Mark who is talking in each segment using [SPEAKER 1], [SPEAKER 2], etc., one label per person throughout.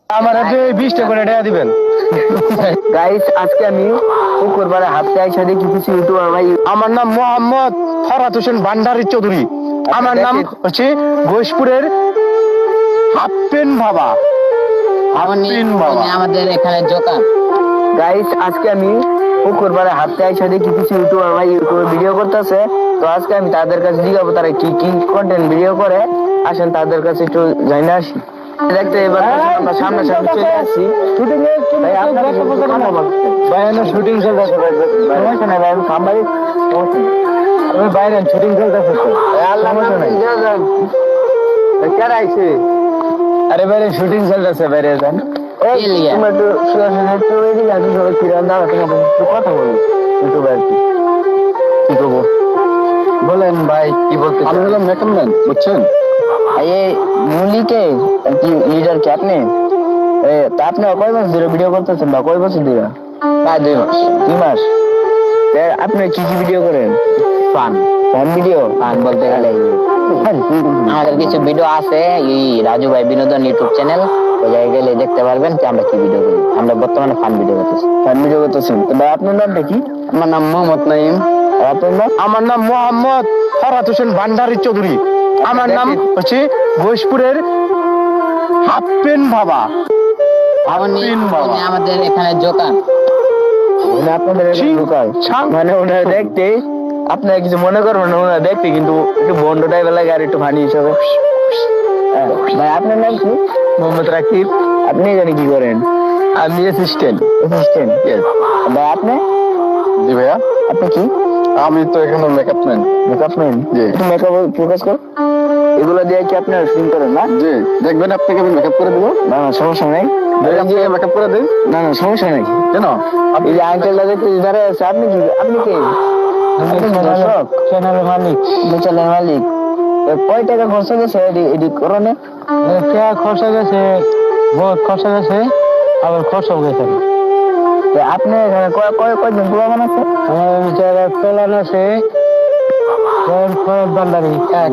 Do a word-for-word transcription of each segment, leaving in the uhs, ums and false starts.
[SPEAKER 1] আমার আপনি বিশ টাকা করে টাকা দিবেন।
[SPEAKER 2] গাইস আজকে আমি পুকুর পাড়ে হাঁটতে আইসা দেখি কিছু ইউটিউবার ভাই।
[SPEAKER 1] আমার নাম মোহাম্মদ ফরহাদ হোসেন ভান্ডারী চৌধুরী। আমার নাম হচ্ছে ঘোষপুরের হাপ্পেন বাবা। হাপ্পেন বাবা
[SPEAKER 3] আমাদের এখানে জোকা।
[SPEAKER 2] গাইস আজকে আমি পুকুর পাড়ে হাঁটতে আইসা দেখি কিছু ইউটিউবার ভাই ইউটিউবে ভিডিও করতেছে। তো আজকে আমি তাদের কাছে জিজ্ঞাসা তারা কি কি কন্টেন্ট ভিডিও করে। আসেন তাদের কাছে একটু জানি আসি। দেখতে এবার আমরা সামনে সামনে চলে আসছি শুটিং এর। ভাই আপনারা
[SPEAKER 1] ভাই এনে শুটিং চলতেছে ভাই।
[SPEAKER 2] সমস্যা নাই ভাই, আমি সামবাই
[SPEAKER 1] আমি বাইরে শুটিং চলতেছে তো।
[SPEAKER 2] আল্লাহ কেন আইছে?
[SPEAKER 1] আরে বাইরে শুটিং চলতেছে, বাইরে যান।
[SPEAKER 2] তোমরা একটু সরাসরি একটু এদিকে আসো, সবাই কিরণ দাঁড়া তোমার একটু কথা বলি ইউটিউবে আর কি কি করবো
[SPEAKER 1] বলেন ভাই কি বলতে? আমি হলাম মেকআপ ম্যান, বুঝছেন?
[SPEAKER 2] এই মুলিকে কি লিডার কি আপনি? তা আপনি কয় মাস ধরে ভিডিও করতেছেন বা কয় বছর ধরে?
[SPEAKER 3] প্রায় দুই মাস।
[SPEAKER 2] দুই মাস। আপনি কি কি ভিডিও করেন?
[SPEAKER 3] Fun
[SPEAKER 2] fun video?
[SPEAKER 3] ফান বলতে গেলে আমাদের কিছু ভিডিও আছে এই রাজু ভাই বিনোদন ইউটিউব চ্যানেল, ওই জায়গায় গেলে দেখতে পারবেন যে আমরা কি ভিডিও করি। আমরা বর্তমানে ফান ভিডিও করতেছি।
[SPEAKER 2] ফান ভিডিও করতেছেন? তো ভাই আপনার নামটা কি?
[SPEAKER 3] আমার নাম মোহাম্মদ নাইম।
[SPEAKER 2] আর আপনার নাম?
[SPEAKER 1] আমার নাম মোহাম্মদ ফরহাদ হোসেন ভান্ডারী চৌধুরী। আমার নাম হচ্ছে ঘোষপুরের হাপ্পেন বাবা। হাপ্পেন বাবা
[SPEAKER 3] আমাদের এখানে জোকা।
[SPEAKER 2] মানে আপনাদের ঢুকায় মানে ওনারা দেখতে আপনারা কিছু মনে করবেন না, ওনারা দেখতে কিন্তু একটু বন্ড টাইপের লাগে আর একটু ফানি হিসাবে। ভাই আপনার নাম কি?
[SPEAKER 1] মোহাম্মদ রাকিব।
[SPEAKER 2] আপনি জানি কি করেন?
[SPEAKER 1] আমি অ্যাসিস্ট্যান্ট।
[SPEAKER 2] অ্যাসিস্ট্যান্ট? ভাই আপনি?
[SPEAKER 1] জি ভাইয়া।
[SPEAKER 2] আপনি কি?
[SPEAKER 1] আমি তো এখানে মেকআপ ম্যান।
[SPEAKER 2] Makeup man?
[SPEAKER 1] জি।
[SPEAKER 2] একটু মেকআপ ফোকাস কর। এগুলো দিয়ে কি আপনারা শুটিং করেন না?
[SPEAKER 1] জি, দেখবেন আপনাকে আমি মেকআপ করে দেবো।
[SPEAKER 2] না না সমস্যা নাই।
[SPEAKER 1] মেকআপ করে দিন।
[SPEAKER 2] না না সমস্যা নাই।
[SPEAKER 1] কেন?
[SPEAKER 2] এই যে আঙ্কেলটা দেখতে দাঁড়ায় আছে, আপনি কি? আপনি কে? আপনি কি দর্শক?
[SPEAKER 1] চ্যানেলের মালিক।
[SPEAKER 2] চ্যানেলের মালিক। কয় টাকা খরচ গেছে এডিট করনে?
[SPEAKER 1] টাকা খরচা গেছে, বহুত খরচা গেছে, আবার খরচাও গেছে।
[SPEAKER 2] আপনি এখানে কয় কয় কয়জন প্রমাণ আছে?
[SPEAKER 1] আমার যারা প্ল্যান আছে ফরহাদ ভান্ডারী এক,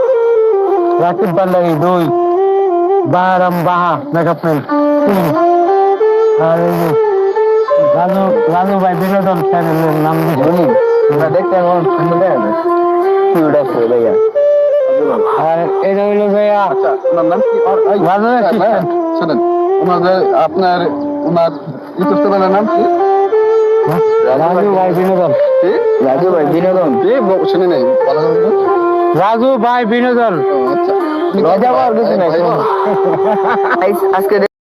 [SPEAKER 1] রাকিব ভান্ডারী দুই, বাহারাম বাহা মেকআপ ম্যান তিন, আর এই যে রাজু রাজু ভাই বিনোদন চ্যানেলের নাম
[SPEAKER 2] শুনি আমরা দেখতে এখন সুন্দর দেখা যায় কিউট আছে ভাইয়া।
[SPEAKER 1] আর এটা হইলো ভাইয়া
[SPEAKER 4] ওনার নাম কি?
[SPEAKER 1] রাজু assistant।
[SPEAKER 4] শোনেন, ওনাদের আপনার ওনার ইউটিউব চ্যানেলের নাম কি?
[SPEAKER 1] রাজু ভাই বিনোদন।
[SPEAKER 4] কি?
[SPEAKER 2] রাজু ভাই বিনোদন?
[SPEAKER 4] কি? ব- শুনি নাই, ভালো করে বলুন।
[SPEAKER 1] রাজু ভাই বিনোদন।
[SPEAKER 4] ও, আচ্ছা।
[SPEAKER 2] লজ্জা পাওয়ার কিছু নাই।
[SPEAKER 4] ভাই, ভাই,
[SPEAKER 2] আজকে